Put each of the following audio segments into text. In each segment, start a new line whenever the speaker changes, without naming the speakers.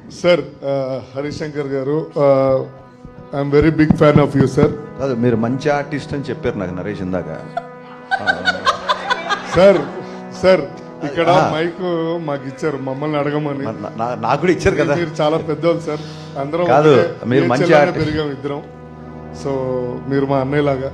Sir Harishankar garu, I'm very big fan of you sir.
కాదు, మీరు మంచి ఆర్టిస్ట్ అని చెప్పారు నాకు నరేష్ ఇందాక.
సార్ సార్ ఇక్కడ మైక్ మాకు ఇచ్చారు మమ్మల్ని అడగమని.
నాకు కూడా ఇచ్చారు కదా.
మీరు చాలా పెద్దోళ్ళు సార్, అందరం
కాదు మీరు మంచి
పెరిగాం ఇద్దరం. సో మీరు మా అన్నయ్య లాగా.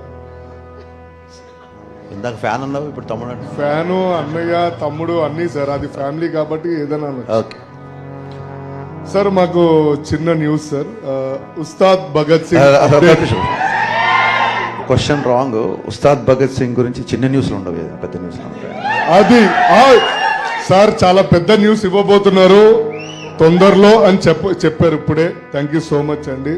ఇందాక ఫ్యాన్ అన్నావు, ఇప్పుడు తమ్ముడు అంటే
ఫ్యాను, అన్నయ్య, తమ్ముడు అన్నీ సార్. అది ఫ్యామిలీ కాబట్టి ఏదైనా.
ఓకే
సార్ మాకు చిన్న news sir. Ustaad Bhagat Singh
question wrong. Ustaad Bhagat Singh గురించి చిన్న న్యూస్లు ఉండవు, పెద్ద న్యూస్లు ఉంటాయి.
అది సార్ చాలా పెద్ద న్యూస్ ఇవ్వబోతున్నారు తొందరలో అని చెప్పారు ఇప్పుడే. థ్యాంక్ యూ సో మచ్ అండి.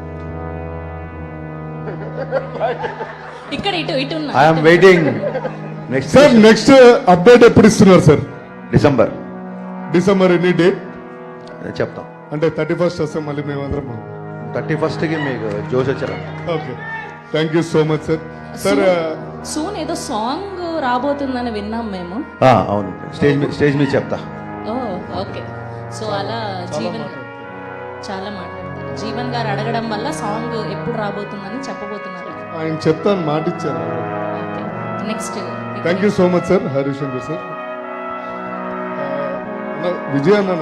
ఇక్కడ ఇటు ఇటు
I'm waiting. Next
sir next update ఎప్పుడు ఇస్తున్నారు సార్? డిసెంబర్ ఎన్ని డేట్
చెప్తాం.
అంటే 31st వస్తే మళ్ళీ మేమందరం
31st మీకు జోష్ వచ్చారా?
Okay, thank you so much sir. Sir
soon ఏదో సాంగ్ రాబోతుందని విన్నాం మేము.
అవును, స్టేజ్ మీద చెప్తా.
ఓకే. సో అలా జీవన్ చాలా మాట్లాడతారు. జీవన్ గారు అడగడం వల్ల సాంగ్ ఎప్పుడు రాబోతుందని చెప్పబోతున్నారు.
ఆయన చెప్తాను, మాట ఇచ్చారు.
Next
thank you so much sir Harish Shankar sir. Vijay అన్న